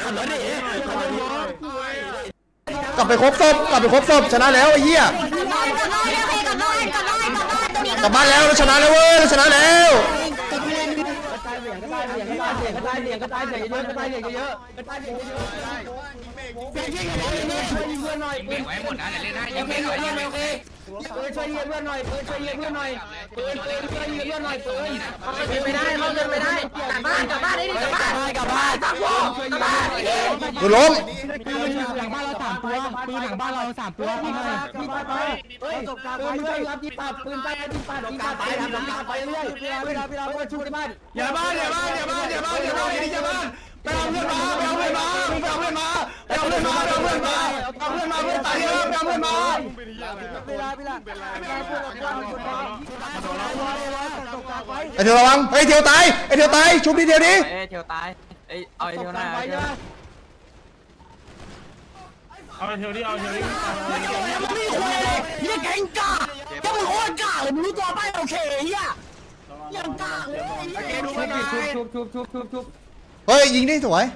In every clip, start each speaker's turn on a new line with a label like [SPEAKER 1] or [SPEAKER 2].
[SPEAKER 1] กลับไปครบศพชนะแล้วไอ้เหี้ยกลับบ้านแล้วชนะแล้วเว้ยชนะแล้ว
[SPEAKER 2] ไว้หมดนะเดี๋ยวเล่นให้ยิงไม่หน่อยยิงไม่โอเคช่วยยิงเพื่อนหน่อยช่วยยิงเพื่อนหน่อยปืนช่วยยิงเพื่อนหน่อยปืนไม่ได้เขาเดินไม่ได้กลับบ้านได้ดิกลับบ้านตั้งวงกลับบ้าน
[SPEAKER 1] กูล้ม
[SPEAKER 3] หลังบ้านเรา3 ตัวปืนหลังบ้านเรา3 ตัวพี่หน่อย
[SPEAKER 2] ปืนไปรับยิงปัดปืนไปยิงปัดยิงปัดไปเรื่อยพี่ชูที่บ้าน
[SPEAKER 4] อย่าบ้านไปเอาเพื่อนมาไปเอาเพื่อนมาเพื่อนตายเยอะไปเอาเพื่อนมา
[SPEAKER 1] ไอเทียวระวังไอเทียวตายชุบนิดเดียวดิ
[SPEAKER 2] เทียวตายเอาเทียวหน้า
[SPEAKER 4] เอาเทียวดิ
[SPEAKER 2] นี่แกงกาจะมึงโคตรกาเลยมึงรู้ตัวไปโอเคเฮียยังกาเลยชุบ
[SPEAKER 1] เฮ้ยยิงดิสวย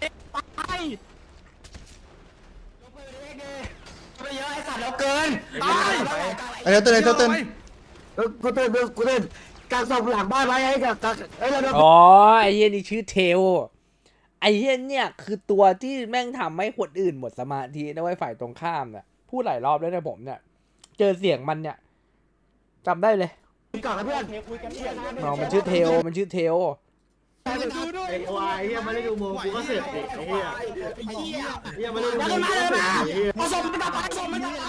[SPEAKER 2] ไปเยอะไอ้สัตว์แล้วเกินตาย
[SPEAKER 1] ไอเทียวตื่น
[SPEAKER 2] กูตื่นกางศพหลังบ้านไว้ให้กับ
[SPEAKER 5] อ๋อไอ้เหี้ยนี่ชื่อเทลไอ้เหี้ยเนี่ยคือตัวที่แม่งทำให้คนอื่นหมดสมาธินะไว้ฝ่ายตรงข้ามเนี่ยพูดหลายรอบแล้วนะผมเนี่ยเจอเสียงมันเนี่ยจำได้เลย
[SPEAKER 2] ก่อนนะเพื่อน
[SPEAKER 5] มันชื่อเทล
[SPEAKER 2] ไอ้ควายเฮียมาได้ดูโมกูก็เสร็จไอ้เฮียเฮียมาได้ดูโมเอาศพมันดับศพมันดับ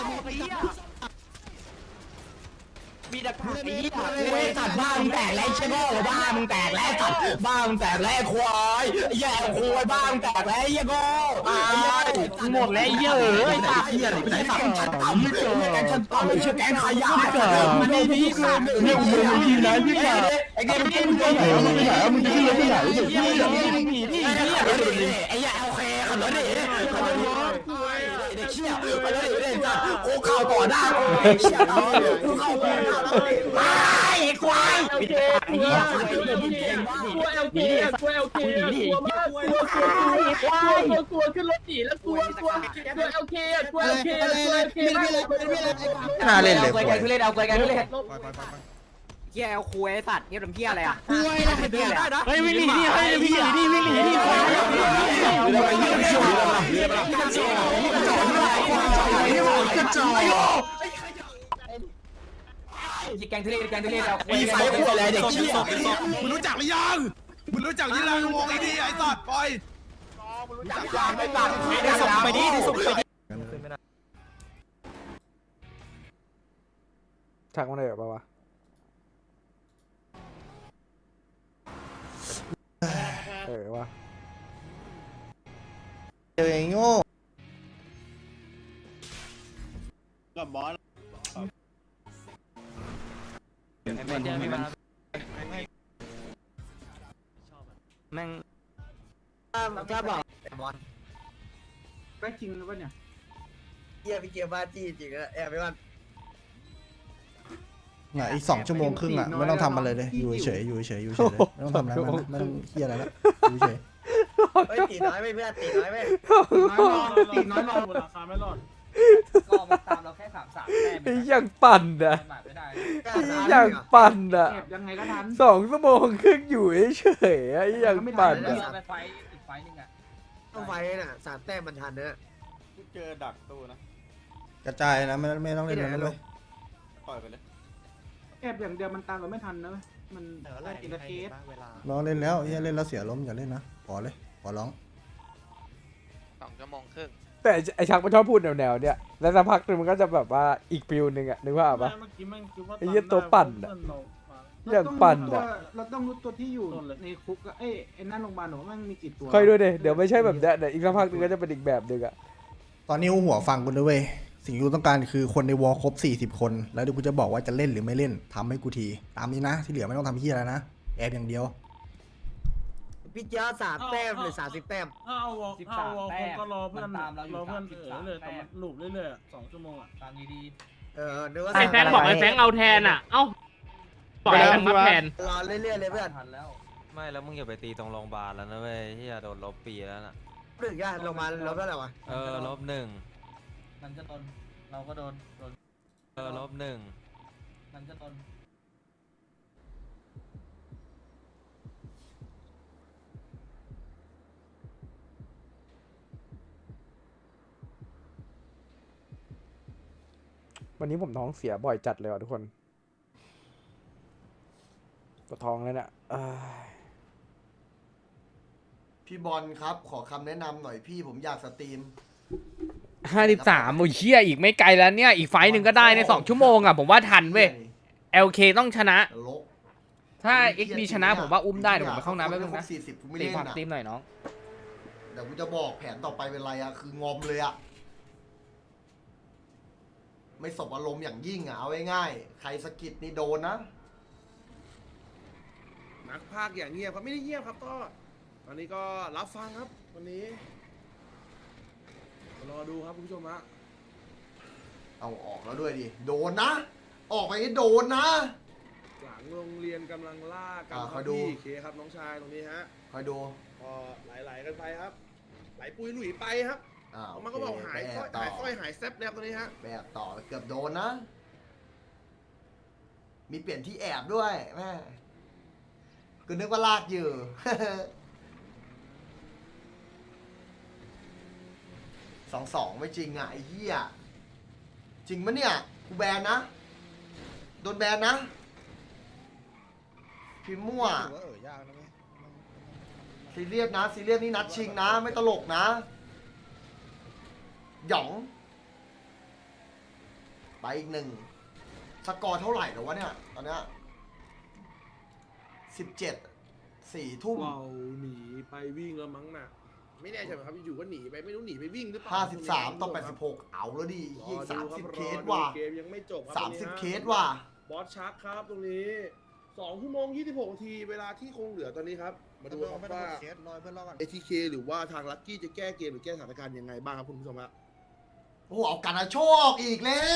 [SPEAKER 2] มีดักไอ้เหี้ยกูไอ้สัตว์บ้ามึงแตกแล้วใช่ไหมบ้ามึงแตกแล้วสัตว์บ้ามึงแตกแล้วควายแย่ควายบ้ามึงแตกแล้วเหี้ยโง่หมดแล้วเหี้ยไอ้สัตว์เหี้ยไปไหนสัตว์ฉันต่ำแกงฉันต่ำไอ้เชี่ยแกงขยะมันไม่ดีสัตว์เนี่ยมึงยิงนะยิงนะไอ้เกมมึงไปไหนมึงจะขึ้นรถไปไหนเดี๋ยวพี่หนีดิไอ้เหี้ยโอเคขับรถดิเด็กเชี่ยไปเลยเด็กสัตว์โอ้ข่าวต่อหน้าไอ้เชี่ยกูเข้าไปไอ้ควายไอ้เหี้ยตัวเอลเคตัวขึ้นรถหนีแล้วตัวเอลเค
[SPEAKER 1] น่าเล่นเลย
[SPEAKER 2] เอาคุยเหี้ยเอาคุยไอ้สัตว์เหี้ยทำเหี้ยอะไรอ่ะคุยแล้วเป็นเหี้ยอะไรเฮ้ยวิ่งหนีดิเฮ้ยวิ่งหนีดิแกงทะเลเอาคุยไอ้คุยอะไรเด็กเชี่ย
[SPEAKER 4] มึงรู้จักหรือยังวงไอ้นี่ไอ้สัตว์ปล่อย
[SPEAKER 2] ไปดิ
[SPEAKER 5] ชักมันเลยหรอวะวะ
[SPEAKER 1] เดี๋ยวไอ้โง่
[SPEAKER 4] กับบอส
[SPEAKER 2] แม่งถ้าบอกบอลก็จริงหรือเปล่าเนี่ยเฮียพี่เกียร์บ้าจี้จริงอะแอบไปวัน
[SPEAKER 1] อีก2 ชั่วโมงครึ่งอ่ะไม่ต้องทำอะไรเลยอยู่เฉยไม่ต้องทำอะไรไม่ต้องเฮียอะไรแล้วอยู่เฉย
[SPEAKER 2] ตีน้อยไม่เพื่อนตีน้อยไม่
[SPEAKER 4] ตีน้อยรอดราคาไม่รอด
[SPEAKER 2] ก็มาตามเราแค่3 แต้ม
[SPEAKER 5] ยังปั่นอ่ะยังปั่นอ่ะ
[SPEAKER 2] ยังไงก็ทัน
[SPEAKER 5] 2 ชั่วโมงครึ่งอยู่เฉยยังปั่นอ่ะ
[SPEAKER 2] ไฟอีกไฟนึงอ่ะต้องไฟน่ะ3 แต้มมันทันเนอะ
[SPEAKER 4] เจอดักตู้นะ
[SPEAKER 1] กระจายนะไม่ต้องเล่นแล้วเลย
[SPEAKER 4] ปล่อยไปเลย
[SPEAKER 2] แอบอย่างเดียวมันตามเราไม่ทันนะมันอินเตอร์เกต
[SPEAKER 1] น้องเล่นแล้วเล่นแล้วเสียล้มอย่าเล่นนะขอร้อง
[SPEAKER 2] 2 ชั่วโมงครึ่ง
[SPEAKER 5] แต่ไอชักมันชอบพูดแนวเนี่ยแล้วสักพักนึงมันก็จะแบบว่าอีกฟิลนึงอ่ะนึกว่าปะไอ้เหี้ยตัวปั่นอ่ะอย่างปั่นอ่ะ
[SPEAKER 2] เราต้องรู้ตัวที่อยู่ในคุกไอ้นั่นโรงพยาบาลหนูมันมีกี่ตัว
[SPEAKER 5] ค่อยดูดิเดี๋ยวไม่ใช่แบบเนี้ยอีกสักพักนึงก็จะเป็นอีกแบบนึงอ่ะ
[SPEAKER 1] ตอนนี้หัวฟังกูด้วยเว้ยสิ่งที่กูต้องการคือคนในวอลครบ40 คนแล้วเดี๋ยวกูจะบอกว่าจะเล่นหรือไม่เล่นทำให้กูทีตามนี้นะที่เหลือไม่ต้องทำเหี้ยแล้วนะแอบอย่างเดียว
[SPEAKER 2] พี่เจ้า3 แต้มหรือ30 แต้ม
[SPEAKER 4] เอาวอลก็รอเพื่อนเลยแต่มันหลุดเรื่อยๆ2 ชั่วโมงอ่ะ
[SPEAKER 2] ตามดีนึกว่า
[SPEAKER 6] ไอ้แฟงบอกไอ้แฟงเอาแทนอ่ะเอ้าปล่อยแฟงมาแทน
[SPEAKER 2] รอเรื่อยๆเลยเพื่อน
[SPEAKER 7] ทันแล้วไม่แล้วมึงอย่าไปตีตรงโรงพยาบาลแล้วนะเว้ยที่จะโดนลบปีแล้วน่ะหนึ่งย่าลงมาเราเท่าไหร่วะ
[SPEAKER 8] ลบหนึ่ง
[SPEAKER 2] มันก็โดนเราก็โดน
[SPEAKER 8] ลบหนึ่ง
[SPEAKER 2] มันก็โดน
[SPEAKER 5] วันนี้ผมท้องเสียบ่อยจัดเลยว่ะทุกคนปวดท้องเลยเนี่ย
[SPEAKER 1] พี่บอลครับขอคำแนะนำหน่อยพี่ผมอยากสตรีม
[SPEAKER 5] 53โอ้ยเชี่ยอีกไม่ไกลแล้วเนี่ยอีกไฟต์หนึ่งก็ได้ใน2 ชั่วโมงอ่ะผมว่าทันเว้ย LK ต้องชนะ
[SPEAKER 1] ลก
[SPEAKER 5] ถ้า XB ชนะผมว่าอุ้มได้เดี๋ยวผมไปเข้าห้องน้ำแป๊บนึงนะ
[SPEAKER 1] 40กูไม่
[SPEAKER 5] ตี
[SPEAKER 1] เล่น
[SPEAKER 5] ความ
[SPEAKER 1] อ่ะ
[SPEAKER 5] ตีมหน่อยน้อง
[SPEAKER 1] เดี๋ยวกูจะบอกแผนต่อไปเป็นไรอ่ะคืองอมเลยอ่ะไม่สบอารมณ์อย่างยิ่งอ่ะเอาง่ายๆใครสะกิดนี่โดนนะ
[SPEAKER 7] นักภาคอย่างเงียบครับไม่ได้เงียบครับก็ตอนนี้ก็รับฟังครับวันนี้รอดูครับคุณผู้ชมฮะ
[SPEAKER 1] เอาออกแล้วด้วยดิโดนนะ ออกไปให้โดนนะ
[SPEAKER 7] หลังโรงเรียนกำลังล่ากัน
[SPEAKER 1] อ่า
[SPEAKER 7] ค
[SPEAKER 1] ค
[SPEAKER 7] รั
[SPEAKER 1] อบ ยดู
[SPEAKER 7] พี่เคครับน้องชายตรงนี้ฮะ
[SPEAKER 1] คอยดู
[SPEAKER 7] ก็ไหลๆกันไปครับไหลปุยหลุยไปครับ
[SPEAKER 1] อ้าว
[SPEAKER 7] มันก็บอกหายสร้อย
[SPEAKER 1] ต่
[SPEAKER 7] หายสร้อยหายแซบนะครับตรงนี้ฮะ
[SPEAKER 1] แบบต่อเกือบโดนนะ มีเปลี่ยนที่แอบด้วยแม่กูนึกว่าลากอยู่ 2-2ไม่จริงอ่ะไอ้เหี้ยจริงปะเนี่ยกูแบนนะโดนแบนนะพิมพ์มั่วซีเรียสนะซีเรียสนี่นัดชิงนะไม่ตลกนะหยองไปอีก1สกอร์เท่าไหร่แล้ววะเนี่ยตอนเนี้ย17 4 ทุ่ม
[SPEAKER 7] ว้าวหนีไปวิ่งแล้วมั้งน่ะไม่แน่ใจเหมือนครับอยู่ๆก็หนีไปไม่รู้หนีไปวิ่งหรือเปล่า
[SPEAKER 1] 53ต่อ86เอาแล้วดิยี่30 เคสว่ะ
[SPEAKER 7] เกมยังไม่จบครับ
[SPEAKER 1] 30 เคสว่ะ
[SPEAKER 7] บอสชักครับตรงนี้2 ชั่วโมง 26 นาทีเวลาที่คงเหลือตอนนี้ครับมาดูครับว่า ATK หรือว่าทางลัคกี้จะแก้เกมหรือแก้สถานการณ์ยังไงบ้างครับคุณผู้ชมฮะ
[SPEAKER 1] โอ้โหเอากันนะโชคอีกแล้ว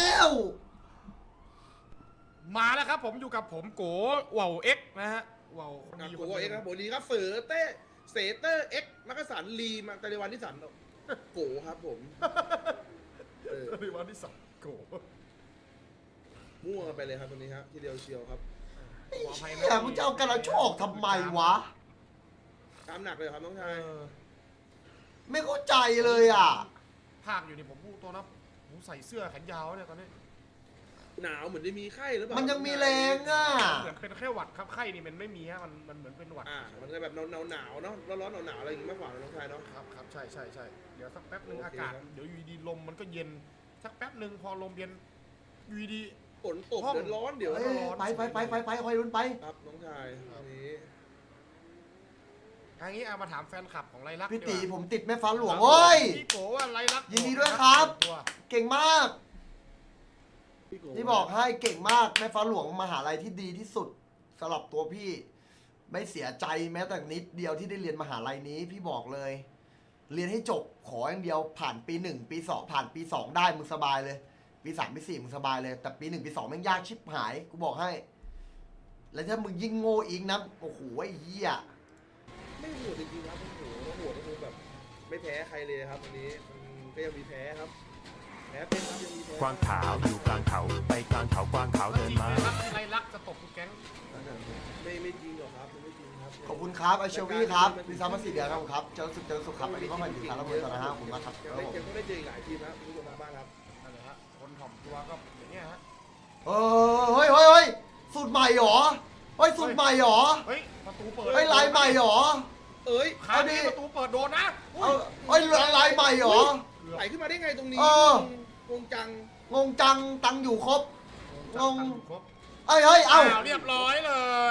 [SPEAKER 3] มาแล้วครับผมอยู่กับผมโกว่าวเอ็กนะฮะว่าวคนดี
[SPEAKER 7] โอ้โหเอ็กซ์ครับโบดีครับเสือเต้เสเตอร์เอ็กซ์มักกะสันลีมาตะลิวันที่สันโกครับผม
[SPEAKER 3] ในวันที่2โก
[SPEAKER 7] มั่วไปเลยครับตรงนี้ฮะทีเดียวเชียวครับ
[SPEAKER 1] ไอ้เหี้ยมึงจะเอากันนะโชคทำไมวะ
[SPEAKER 7] ตามหนักเลยครับน้องชาย
[SPEAKER 1] ไม่เข้าใจเลยอ่ะ
[SPEAKER 3] ภาคอยู่นี่ผมพูดตัวนะผมใส่เสื้อแขนยาวเนี่ยตอนนี้
[SPEAKER 7] หนาวเหมือนได้มีไข้หรือเปล่า
[SPEAKER 1] มันยังมีแรงอ่ะ
[SPEAKER 3] เหมือนเป็นแค่หวัดครับไข้นี่มันไม่มีฮะมันเหมือนเป็นหวัด
[SPEAKER 7] มันจะแบบหนาวเนาะร้อนๆหนาวๆอะไรอย่างงี้มากกว่าน้องชายเนาะ
[SPEAKER 3] ครับใช่เดี๋ยวสักแป๊บนึง
[SPEAKER 7] โอเค
[SPEAKER 3] อากาศ
[SPEAKER 7] ครับ
[SPEAKER 3] เดี๋ยวอยู่ดีลมมันก็เย็นสักแป๊บนึงพอลมเย็นอยู่ดี
[SPEAKER 7] ฝนตกเดี๋ยวร้อนเดี๋ยว
[SPEAKER 1] เอ้ย
[SPEAKER 7] ร้อน
[SPEAKER 1] ไปคอยรุนไป
[SPEAKER 7] ครับน้องชายอันนี้
[SPEAKER 3] ทางนี้เอามาถามแฟนคลับของไรลักษณ์
[SPEAKER 1] พี่ตี
[SPEAKER 3] ดีกว่า
[SPEAKER 1] ผมติดแม่ฟ้าหลวงโอ้ย
[SPEAKER 3] พี่โกว่าไรลักษณ์
[SPEAKER 1] ยินดีด้วยครับ
[SPEAKER 3] ตัว
[SPEAKER 1] เก่งมาก
[SPEAKER 7] พี่โ
[SPEAKER 1] ที่บอกให้เก่งมากแม่ฟ้าหลวงมหาลัยที่ดีที่สุดสำหรับตัวพี่ ไม่เสียใจแม้แต่นิดเดียวที่ได้เรียนมหาลัยนี้พี่บอกเลย เรียนให้จบขออย่างเดียวผ่านปี1ปี2ผ่านปี2ได้มึงสบายเลย ปี3ปี4มึงสบายเลยแต่ปี1ปี2แม่งยากชิบหายกูบอกให้ แล้วถ้ามึงยิ่งโง่อีกนะโอ้โหไอ้เหี้ย
[SPEAKER 7] ไม่โหดจริงๆครับโอ้โหโหดก็คือแบบไม่แพ้ใครเลยครับวันนี้มันก็ยังมีแพ้ครับแพ้เป็นครับยังมีแพ้
[SPEAKER 8] กวางขาวอยู่กลางเขาไปกลางเขากวางขาวเดินมา
[SPEAKER 3] ไรลักษณ์จะตกทุกแก๊ง
[SPEAKER 7] ไม่จริงหรอกครับไม่จริงครับ
[SPEAKER 1] ขอบคุณครับไอเชลวี่ครับมีซ้ำมา4 เดือนครับผมครับเจอสุขครับอันนี้ก็มาอยู่ครับแล้วมือต่อนะฮะขอบคุณมากครับ
[SPEAKER 7] ยังได้ยังได้เจออีกหลายทีมนะคุณผู้ชมทางบ้านครับ
[SPEAKER 3] นั่นแหละฮะคนถ่อมตัวก็อย่างเงี้ยฮะ
[SPEAKER 1] เฮ้ยสูตรใหม่หรอเฮ้ยสูตรใหม่หรอ
[SPEAKER 3] เฮ้ยประตูเปิด
[SPEAKER 1] เฮ้ยลายใหม่หรอ
[SPEAKER 7] เอ้ย
[SPEAKER 3] คราวนี้ประตูเปิดโดนนะ
[SPEAKER 1] เอาเฮ้ยลายใหม่หรอ
[SPEAKER 7] ไหลขึ้นมาได้ไงตรงนี้
[SPEAKER 1] เออ
[SPEAKER 7] งงจัง
[SPEAKER 1] งงจังตังอยู่ครบงง
[SPEAKER 3] ครบ
[SPEAKER 1] เอ้ยเอ้า
[SPEAKER 3] เรียบร้อยเลย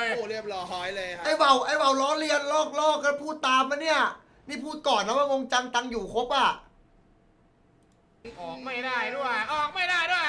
[SPEAKER 7] โอ้เรียบร้อยเลยครับ
[SPEAKER 1] ไอ้เบาล้อเลียนลอกกันพูดตามมาเนี่ยนี่พูดก่อนนะว่างงจังตังอยู่ครบอ่ะ
[SPEAKER 3] ออกไม่ได้ด้วยออกไม่ได้ด้วย